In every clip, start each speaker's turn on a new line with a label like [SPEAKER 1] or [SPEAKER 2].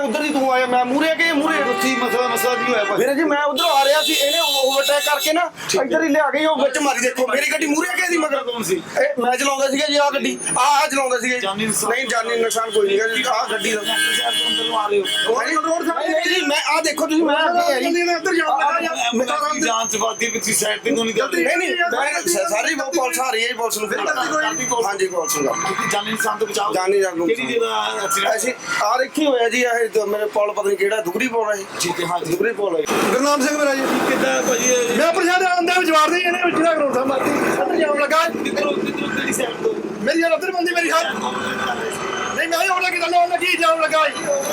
[SPEAKER 1] ਉਧਰ ਦੀ ਤੂੰ ਆਇਆ ਮੈਂ ਮੂਰੇ ਕੇ ਮੂਰੇ
[SPEAKER 2] ਤੁਸੀਂ ਮਸਲਾ ਕੀ ਹੋਇਆ
[SPEAKER 1] ਵੀਰੇ ਜੀ ਮੈਂ ਉਧਰੋਂ ਆ ਰਿਹਾ ਸੀ ਇਹਨੇ ਓਵਰਟੇਕ ਕਰਕੇ ਨਾ ਇੱਧਰ ਹੀ ਲਿਆ ਗਈ ਉਹ ਵਿੱਚ ਮਾਰੀ ਦੇਖੋ ਮੇਰੀ ਗੱਡੀ ਮੂਰੇ ਕੇ ਦੀ ਮਗਰ
[SPEAKER 2] ਕੌਣ ਸੀ
[SPEAKER 1] ਇਹ ਮੈਂ ਚਲਾਉਂਦਾ ਸੀਗਾ ਜੀ ਆਹ ਗੱਡੀ ਆਹ ਚਲਾਉਂਦਾ ਸੀਗਾ
[SPEAKER 2] ਜਾਨੀ ਨੁਕਸਾਨ?
[SPEAKER 1] ਨਹੀਂ ਜਾਨੀ ਨੁਕਸਾਨ ਕੋਈ ਨਹੀਂ ਜੀ ਆਹ ਗੱਡੀ ਦਾ
[SPEAKER 2] ਅੰਦਰੋਂ ਆ ਰਹੇ ਹੋ
[SPEAKER 1] ਰੋਡ ਸਾਈਡ ਜੀ ਮੈਂ ਆਹ ਦੇਖੋ ਤੁਸੀਂ ਮੈਂ ਅੱਗੇ ਆ ਜੀ
[SPEAKER 2] ਮੈਂ ਉੱਧਰ ਜਾਊਂਗਾ ਜਾਂਚ ਵਾਦੀ ਵਿੱਚ ਸਾਈਡ ਤੇ ਨਹੀਂ ਕਰਦੇ
[SPEAKER 1] ਨਹੀਂ ਮੈਂ ਸਾਰੀ ਪੁਲਿਸ ਆ ਰਹੀ ਹੈ ਪੁਲਿਸ ਨੂੰ ਹਾਂਜੀ ਪੁਲਿਸ ਨੂੰ
[SPEAKER 2] ਜਾਨੀ ਨੁਕਸਾਨ ਤੋਂ ਬਚਾਓ
[SPEAKER 1] ਜਾਨੀ ਜਾਗੂ
[SPEAKER 2] ਕਿਹੜੀ ਜਗ੍ਹਾ ਐਕਸੀਡੈਂਟ
[SPEAKER 1] ਅਸੀਂ ਆ ਦੇਖੀ ਹੋਇਆ ਜੀ ਇਹ ਮੇਰੇ ਪੁਲ ਪਤਾ ਨਹੀਂ ਕਿਹੜਾ ਦੁਗਰੀ ਪੁਲ ਹੈ
[SPEAKER 2] ਠੀਕ ਹੈ ਹਾਂ ਜੀ
[SPEAKER 1] ਦੁਗਰੀ ਪੁਲ ਹੈ
[SPEAKER 3] ਗੁਰਨਾਮ ਸਿੰਘ ਮੇਰਾ ਜੀ
[SPEAKER 2] ਕਿੱਦਾਂ ਭਾਜੀ
[SPEAKER 3] ਮੈਂ ਪ੍ਰਸ਼ਾਦ ਆਂਦਾ ਵਿਚਾਰ ਦੇ ਇਹਨੇ ਵਿੱਚ ਦਾ ਕਰੋੜ ਮਾਰਤੀ ਉੱਧਰ ਜਾਮ ਲੱਗਾ
[SPEAKER 2] ਕਿੱਧਰੋਂ ਕਿਹੜੀ ਸਾਈਡ ਤੋਂ
[SPEAKER 3] ਮੇਰੀ ਯਾਰ ਉੱਧਰ ਬੰਦੀ ਮੇਰੀ ਹੱਥ ਨਹੀਂ ਮੈਂ ਉਹ ਲੱਗੀ ਗੱਲ ਉਹ ਲੱਗੀ ਜਾਮ ਲੱਗਾ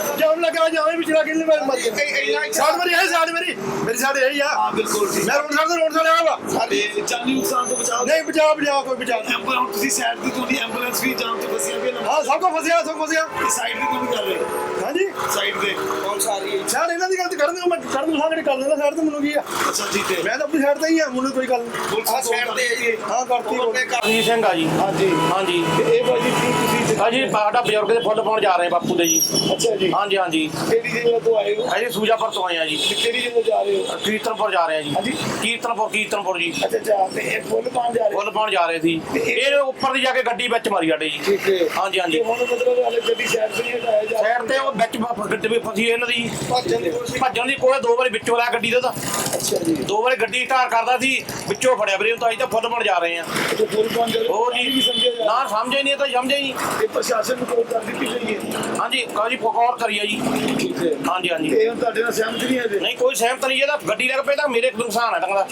[SPEAKER 3] ਜਾਮ ਵਿੱਚ ਲੱਗ ਕਿੰਨੇ ਵਾਰ ਮਰ ਗਿਆ ਸਾਡ ਮੇਰੀ ਹੈ ਸਾਡ ਮੇਰੀ ਸਾਡ ਹੈ ਯਾ
[SPEAKER 2] ਹਾਂ ਬਿਲਕੁਲ ਜੀ
[SPEAKER 3] ਮੈਂ ਰੋਡ ਸਾਡ ਆਇਆ ਵਾ
[SPEAKER 2] ਸਾਡੇ ਜਾਨੀ ਨੁਕਸਾਨ ਤੋਂ ਬਚਾਓ
[SPEAKER 3] ਨਹੀਂ ਬਚਾ ਕੋਈ ਬਚਾ
[SPEAKER 2] ਐਂਬੂਲੈਂਸ ਤੁਸੀਂ ਸਾਈਡ ਤੇ ਤੁਹਾਡੀ ਐਂਬੂਲੈਂਸ ਵੀ ਜਾਮ ਤੋਂ ਫਸੀਆਂ ਵੀ
[SPEAKER 3] ਹਾਂ ਸਭ ਕੋ ਫਸਿਆ
[SPEAKER 2] ਸਾਈਡ ਤੇ ਕਿਉਂ ਕਰ ਰਹੇ
[SPEAKER 3] ਹਾਂਜੀ
[SPEAKER 2] ਸਾਈਡ ਤੇ
[SPEAKER 1] ਪੁਲਿਸ ਆ ਰਹੀ ਹੈ
[SPEAKER 3] ਸਾਡ ਇਹਨਾਂ ਦੀ ਗੱਲ ਤੇ ਕਰਨ ਮੈਂ ਕਰਨ ਸਾਗੜੇ ਕਰ ਲੈਂਦਾ ਸਾਈਡ ਤੇ ਮੈਨੂੰ ਕੀ ਆ
[SPEAKER 2] ਅੱਛਾ ਜੀ ਤੇ
[SPEAKER 3] ਮੈਂ ਤਾਂ ਆਪਣੀ ਸਾਈਡ ਤੇ ਹੀ ਆ ਮੈਨੂੰ ਕੋਈ ਗੱਲ ਨਹੀਂ
[SPEAKER 1] ਆ ਸਾਈਡ ਤੇ ਹੈ ਜੀ
[SPEAKER 3] ਹਾਂ ਕਰਤੀ
[SPEAKER 4] ਜੀ ਸਿੰਘ ਆ ਜੀ
[SPEAKER 2] ਹਾਂਜੀ
[SPEAKER 4] ਹਾਂਜੀ
[SPEAKER 2] ਇਹ ਭਾਜੀ ਤੁਸੀਂ
[SPEAKER 4] ਹਾਂਜੀ ਸਾਡਾ ਬਜ਼ੁਰਗ ਦੇ ਫੁੱਲ ਪਾਉਣ ਜਾ ਰਹੇ ਬਾਪੂ ਦੇ ਜੀ
[SPEAKER 2] ਅੱਛਾ ਜੀ
[SPEAKER 4] ਹਾਂਜੀ ਹਾਂਜੀ
[SPEAKER 2] ਕਿਹੜੀ ਜਗ੍ਹਾ ਤੋਂ ਆਏ ਹੋ
[SPEAKER 4] ਅਸੀਂ ਸੂਜਾਪੁਰ ਤੋਂ ਆਏ ਆ ਜੀ
[SPEAKER 2] ਕਿਹੜੀ ਜਗ੍ਹਾ ਜਾ ਰਹੇ ਹੋ
[SPEAKER 4] ਕੀਰਤਨਪੁਰ ਜਾ ਰਹੇ ਆ ਜੀ
[SPEAKER 2] ਹਾਂਜੀ
[SPEAKER 4] ਕੀਰਤਨਪੁਰ ਜੀ
[SPEAKER 2] ਅੱਛਾ ਤੇ ਇਹ ਫੁੱਲ ਪਾਉਣ ਜਾ ਰਹੇ
[SPEAKER 4] ਫੁੱਲ ਪਾਉਣ ਜਾ ਰਹੇ ਸੀ ਇਹ ਉੱਪਰ ਦੀ ਜਾ ਕੇ ਗੱਡੀ ਵਿੱਚ ਮਾਰੀ ਸਾਡੇ ਜੀ
[SPEAKER 2] ਠੀਕ ਹੈ
[SPEAKER 4] ਹਾਂਜੀ ਹਾਂਜੀ
[SPEAKER 2] ਹੁਣ ਮਤਲਬ ਹਾਲੇ ਗੱਡੀ ਸਾਈਡ ਤੇ ਨਹੀਂ ਹਟਾਇਆ ਜਾ
[SPEAKER 4] ਸਾਈਡ ਤੇ ਉਹ ਵਿੱਚ ਗੱਡੀ ਵੀ ਫਸੀ ਇਹਨਾਂ ਦੀ
[SPEAKER 2] ਭੱਜਣ ਦੀ ਕੋਸ਼ਿਸ਼
[SPEAKER 4] ਭੱਜਣ ਦੀ ਕੋਲੇ ਦੋ ਵਾਰੀ ਵਿੱਚੋਂ ਲਿਆ ਗੱਡੀ ਦਾ ਤਾਂ
[SPEAKER 2] ਅੱਛਾ ਜੀ
[SPEAKER 4] ਦੋ ਵਾਰੀ ਗੱਡੀ ਢਾਰ ਕਰਦਾ ਸੀ ਵਿੱਚੋਂ ਫੜਿਆ ਵੀਰੇ ਤਾਂ ਅਸੀਂ ਤਾਂ ਫੁੱਲ ਪਾਉਣ ਜਾ ਰਹੇ ਆ
[SPEAKER 2] ਤੇ ਫੁੱਲ ਪਾਉਣ ਜਾ ਰਹੇ
[SPEAKER 4] ਹੋਰ
[SPEAKER 2] ਨਹੀਂ
[SPEAKER 4] ਜੀ
[SPEAKER 2] ਸਮਝਿਆ ਜਾ
[SPEAKER 4] ਨਾ ਸਮਝੇ ਨਹੀਂ ਤਾਂ ਸਮਝੇ ਨਹੀਂ
[SPEAKER 2] ਇਹ ਪ੍ਰਸ਼ਾਸਨ ਨੂੰ ਕੋਲ ਕਰ ਦਿੱਤੀ ਗਈ ਹੈ
[SPEAKER 4] ਹਾਂਜੀ ਕਾਜੀ ਫਕੌਰ ਕਰੀਆ ਜੀ
[SPEAKER 2] ਠੀਕ ਹੈ
[SPEAKER 4] ਹਾਂਜੀ ਹਾਂਜੀ
[SPEAKER 2] ਇਹ ਹੁਣ ਤੁਹਾਡੇ ਨਾਲ ਸਹਿਮਤ ਨਹੀਂ ਹੈ ਜੀ
[SPEAKER 4] ਨਹੀਂ ਕੋਈ ਸਹਿਮਤ ਨਹੀਂ ਇਹਦਾ ਗੱਡੀ ਲੱਗ ਪਈ ਤਾਂ ਮੇਰੇ ਨੁਕਸਾਨ ਹੈ ਤਾਂ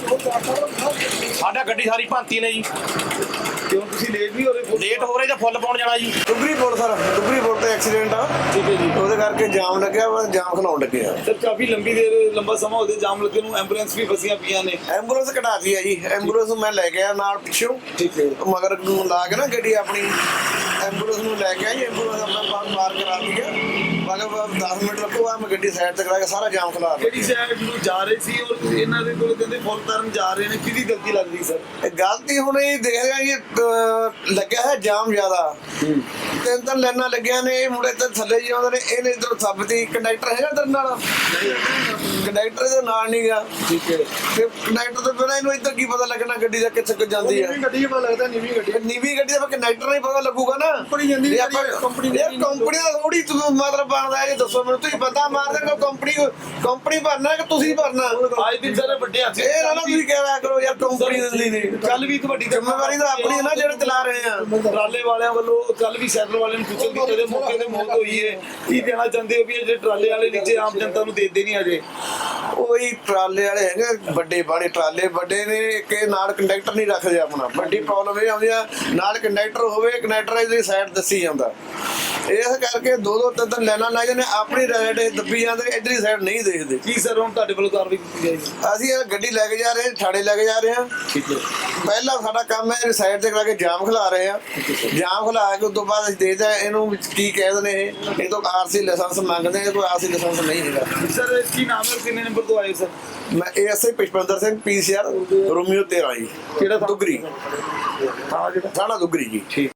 [SPEAKER 4] ਸਾਡਾ ਗੱਡੀ ਸਾਰੀ ਭਾਂਤੀ ਨੇ ਜੀ
[SPEAKER 2] ਕਿਉਂ ਤੁਸੀਂ ਲੇਟ ਨਹੀਂ ਹੋ ਰਹੇ
[SPEAKER 4] ਲੇਟ ਹੋ ਰਹੇ ਤਾਂ ਫੁੱਲ ਪਾਉਣ ਜਾਣਾ ਜੀ
[SPEAKER 1] ਦੁਗਰੀ ਪੁਲ ਸਰ ਦੁਗਰੀ ਪੁਲ ਤੇ ਐਕਸੀਡੈਂਟ ਆ
[SPEAKER 2] ਠੀਕ ਹੈ ਜੀ
[SPEAKER 1] ਉਹਦੇ ਕਰਕੇ ਜਾਮ ਲੱਗਿਆ ਵਾ ਜਾਮ ਖਲਾਉਣ ਲੱਗੇ ਆ
[SPEAKER 2] ਸਰ ਕਾਫੀ ਲੰਬੀ ਦੇਰ ਲੰਬਾ ਸਮਾਂ ਉਹਦੇ ਜਾਮ ਲੱਗੇ ਨੂੰ ਐਂਬੂਲੈਂਸ ਵੀ ਫਸੀਆਂ ਪਈਆਂ ਨੇ
[SPEAKER 1] ਐਂਬੂਲੈਂਸ ਕਢਾਤੀ ਆ ਜੀ ਐਂਬੂਲੈਂਸ ਮੈਂ ਲੈ ਗਿਆ ਨਾਲ ਪਿੱਛੋਂ
[SPEAKER 2] ਠੀਕ ਹੈ
[SPEAKER 1] ਮਗਰ ਨੂੰ ਲਾ ਕੇ ਨਾ ਗੱਡੀ ਆਪਣੀ ਐਂਬੂਲੈਂਸ ਨੂੰ ਲੈ ਕੇ ਆਈ ਐਂਬੂਲੈਂਸ ਆਪਣਾ ਪਾਰ ਕਰਾ ਦਿੱਤੀ ਆ ਮਗਰ 10 ਮਿੰਟ ਲੱਗੂਗਾ ਮੈਂ ਗੱਡੀ ਸਾਈਡ ਤੇ ਕਰਾ ਕੇ ਸਾਰਾ ਜਾਮ ਖਲਾ ਦਿੱਤਾ
[SPEAKER 2] ਕਿਹੜੀ ਸਾਈਡ ਨੂੰ ਜਾ ਰਹੇ ਸੀ ਔਰ ਇਹਨਾਂ ਦੇ ਕੋਲ ਕਹਿੰਦੇ ਫੁੱਲ ਤਰਨ ਜਾ ਰਹੇ ਨੇ ਕਿਹਦੀ ਗਲਤੀ ਲੱਗਦੀ ਸਰ
[SPEAKER 1] ਇਹ ਗਲਤੀ ਹੁਣ ਇਹ ਦੇਖ ਰਿਹਾ ਜੀ ਲੱਗਿਆ ਹੈ ਜਾਮ ਜ਼ਿਆਦਾ ਤਿੰਨ ਲਾਈਨਾਂ ਲੱਗੀਆਂ ਨੇ ਇਹ ਮੁੰਡੇ ਤੇ ਥੱਲੇ ਜੀ ਆਉਂਦੇ ਨੇ ਇਹਨੇ ਇਧਰੋਂ ਥੱਬਤੀ ਕੰਡਕਟਰ ਹੈਗਾ ਤੇਰੇ ਨਾਲ ਕੰਡਕਟਰ ਦੇ ਨਾਲ ਨਹੀਂ ਗਿਆ
[SPEAKER 2] ਠੀਕ ਹੈ
[SPEAKER 1] ਤੇ ਕੰਡਕਟਰ ਤੋਂ ਬਿਨਾਂ ਇਹਨੂੰ ਇੱਧਰ ਕੀ ਪਤਾ ਲੱਗਣਾ ਗੱਡੀ ਦਾ ਕਿੱਥੇ ਜਾਂਦੀ ਆ
[SPEAKER 3] ਗੱਡੀ ਪਤਾ ਲੱਗਦਾ ਨੀਵੀਂ ਗੱਡੀ
[SPEAKER 1] ਨੀਵੀਂ ਗੱਡੀ ਦਾ ਕੰਡਕਟਰ ਨਹੀਂ ਪਤਾ ਲੱਗੂਗਾ ਨਾ
[SPEAKER 3] ਕੰਪਨੀ ਜਾਂਦੀ
[SPEAKER 1] ਜੇ ਆਪਾਂ ਕੰਪਨੀ ਦਾ ਥੋੜੀ ਮਤਲਬ ਬਣਦਾ ਹੈ ਦੱਸੋ ਮੈਨੂੰ ਤੁਸੀਂ ਬੰਦਾ ਮਾਰ ਦੇਣਾ ਕੰਪਨੀ ਭਰਨਾ ਕਿ ਤੁਸੀਂ ਭਰਨਾ
[SPEAKER 2] ਅੱਜ ਦਿਨ ਸਾਰੇ ਵੱਡੇ ਹੱਥ
[SPEAKER 1] ਇਹ ਨਾ ਤੁਸੀਂ ਕਹਿਆ ਕਰੋ ਯਾਰ ਕੰਪਨੀ ਦਿੰਦੀ ਨਹੀਂ
[SPEAKER 2] ਕੱਲ ਵੀ ਤੁਹਾਡੀ
[SPEAKER 1] ਜ਼ਿੰਮੇਵਾਰੀ ਤਾਂ ਆਪਣੀ ਹੈ ਨਾ ਜਿਹੜੇ ਚਲਾ ਰਹੇ ਆ
[SPEAKER 2] ਟਰਾਲੇ ਵਾਲਿਆਂ ਵੱਲੋਂ ਕੱਲ ਵੀ ਸੈਟਲ ਵਾਲਿਆਂ ਨੂੰ ਪੁੱਛਣ ਦੀ ਕਦੇ ਮੌਕੇ ਤੇ ਮੌਤ ਹੋਈ ਹੈ ਕੀ ਦੇਣਾ ਚਾਹੁੰਦੇ ਹੋ ਵੀ ਇਹ ਜਿਹੜੇ ਟਰਾਲੇ ਵਾਲੇ ਨੀਚੇ ਆਮ ਜਨਤਾ ਨੂੰ ਦੇਦੇ ਨਹੀਂ ਅਜੇ
[SPEAKER 1] ਉਹੀ ਟਰਾਲੇ ਵਾਲੇ ਹੈਗੇ ਵੱਡੇ ਬਾਣੇ ਟਰਾਲੇ ਵੱਡੇ ਨੇ ਕਿ ਨਾਲ ਕੰਡਕਟਰ ਨਹੀਂ ਰੱਖਦੇ ਆਪਣਾ ਵੱਡੀ ਪ੍ਰੋਬਲਮ ਇਹ ਆਉਂਦੀ ਆ ਨਾਲ ਕੰਡਕਟਰ ਹੋਵੇ ਕੰਡਕਟਰ ਦੀ ਸਾਈਡ ਦੱਸੀ ਜਾਂਦਾ ਇਸ ਕਰਕੇ ਦੋ ਤਿੰਨ ਲਾਈਨਾਂ ਲਾਈ ਜਾਂਦੇ ਆਪਣੀ ਰਾਈਡ ਦੱਬੀ ਜਾਂਦੇ ਇਧਰਲੀ ਸਾਈਡ ਨਹੀਂ ਦੇਖਦੇ
[SPEAKER 2] ਕੀ ਸਰ ਹੁਣ ਤੁਹਾਡੇ ਵੱਲੋਂ ਕਾਰਵਾਈ ਕੀਤੀ ਜਾਏਗੀ
[SPEAKER 1] ਅਸੀਂ ਇਹ ਗੱਡੀ ਲੈ ਕੇ ਜਾ ਰਹੇ ਥਾਣੇ ਲੈ ਕੇ ਜਾ ਰਹੇ ਹਾਂ
[SPEAKER 2] ਠੀਕ ਹੈ
[SPEAKER 1] ਪਹਿਲਾ ਸਾਡਾ ਕੰਮ ਹੈ ਸਾਈਡ ਤੇ ਕਰਾ ਕੇ ਜਾਮ ਖਿਲਾ ਰਹੇ ਆ ਜਾਮ ਖਿਲਾ ਕੇ ਉਸ ਤੋਂ ਬਾਅਦ ਅਸੀਂ ਦੇਖਦੇ ਆ ਇਹਨੂੰ ਕੀ ਕਹਿ ਦਿੰਦੇ ਇਹ ਤੋਂ ਆਰਸੀ ਲਾਇਸੈਂਸ ਮੰਗਦੇ ਆ ਕੋਈ ਆਰਸੀ ਲਾਇਸੈਂਸ ਨਹੀਂ ਹੈਗਾ
[SPEAKER 2] ਸਰ ਕੀ ਨਾਮ ਹੈ ਕਿੰਨੇ ਨੰਬਰ ਤੋਂ ਆਏ ਸਰ
[SPEAKER 1] ਮੈਂ ASI Pushpinder Singh PCR Romeo 13 ਜੀ
[SPEAKER 2] ਕਿਹੜਾ
[SPEAKER 1] ਦੁਗਰੀ
[SPEAKER 2] ਹਾਂ ਜਿਹੜਾ
[SPEAKER 1] ਥਾਣਾ ਦੁਗਰੀ ਜੀ।